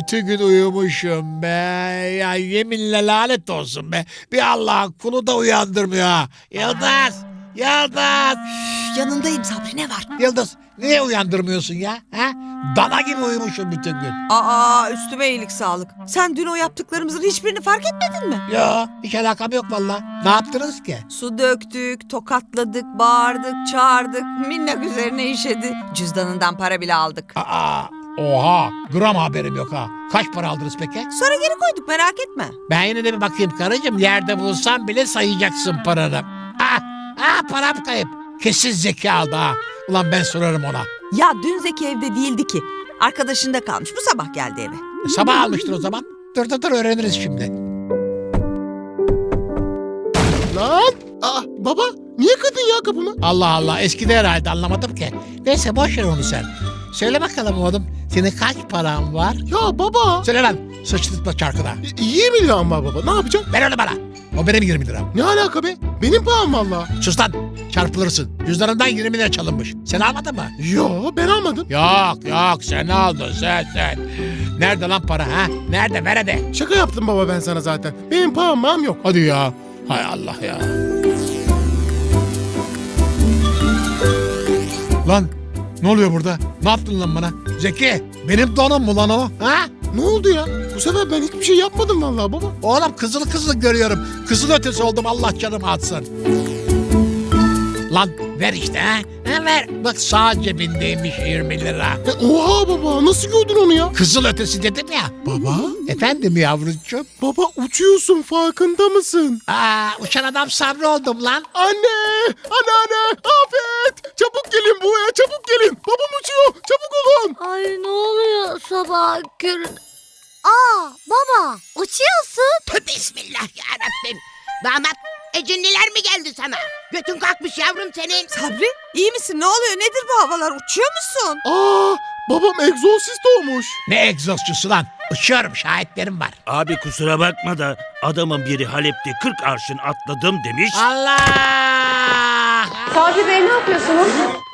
bütün gün uyumuşum be. Ya yeminle lanet olsun be. Bir Allah'ın kulu da uyandırmıyor ha. Yıldız! Yıldız! Yanındayım Sabri, ne var? Yıldız niye uyandırmıyorsun ya? Ha? Dana gibi uyumuşum bütün gün. Aa, üstüme iyilik sağlık. Sen dün o yaptıklarımızın hiçbirini fark etmedin mi? Ya hiç alakam yok vallahi. Ne yaptınız ki? Su döktük, tokatladık, bağırdık, çağırdık. Minnak üzerine işedi. Cüzdanından para bile aldık. Oha, gram haberim yok ha. Kaç para aldınız peki? Sonra geri koyduk, merak etme. Ben yine de bir bakayım karıcığım. Yerde bulsam bile sayacaksın paranı. Param kayıp. Kesin Zeki aldı ha. Ulan ben sorarım ona. Ya dün Zeki evde değildi ki. Arkadaşında kalmış, bu sabah geldi eve. Sabah almıştır o zaman. Dur öğreniriz şimdi. Lan! Baba niye kırdın ya kapımı? Allah Allah, eskide herhalde, anlamadım ki. Neyse boş ver onu sen. Söyle bakalım oğlum, senin kaç paran var? Ya baba! Söyle lan, sıçtırtma çarkına. 20 liram var baba, ne yapacağım? Ver onu bana. O benim 20 liram. Ne alaka be? Benim param valla. Sus lan, çarpılırsın. Cüzdanından 20 lira çalınmış. Sen almadın mı? Yo, ben almadım. Yok, sen aldın sen. Nerede lan para ha? Nerede, ver hadi. Şaka yaptım baba ben sana zaten. Benim param yok. Hadi ya. Hay Allah ya. Lan ne oluyor burada? Ne yaptın lan bana? Zeki, benim donum mu lan o? Ha? Ne oldu ya? Bu sefer ben hiçbir şey yapmadım valla baba. Oğlum kızıl görüyorum. Kızıl ötesi oldum, Allah canımı atsın. Lan ver işte ha. Ver. Bak sağ cebindeymiş 20 lira. Oha baba, nasıl gördün onu ya? Kızıl ötesi dedim ya. Baba? Efendim yavrucuğum. Baba uçuyorsun, farkında mısın? Uçan adam Sabri oldum lan. Anne! Anneanne! Afet! Çabuk gelin buraya, çabuk gelin. Babam uçuyor, çabuk olun. Ay ne oluyor sabah körün? Baba uçuyorsun. Bismillahirrahmanirrahim. Damat, ecinliler mi geldi sana? Götün kalkmış yavrum senin. Sabri, iyi misin? Ne oluyor? Nedir bu havalar? Uçuyor musun? Babam egzorsist olmuş. Ne egzozcusu lan? Uçuyorum, şahitlerim var. Abi kusura bakma da adamın biri Halep'te 40 arşın atladım demiş. Allah! Sabri Bey ne yapıyorsunuz?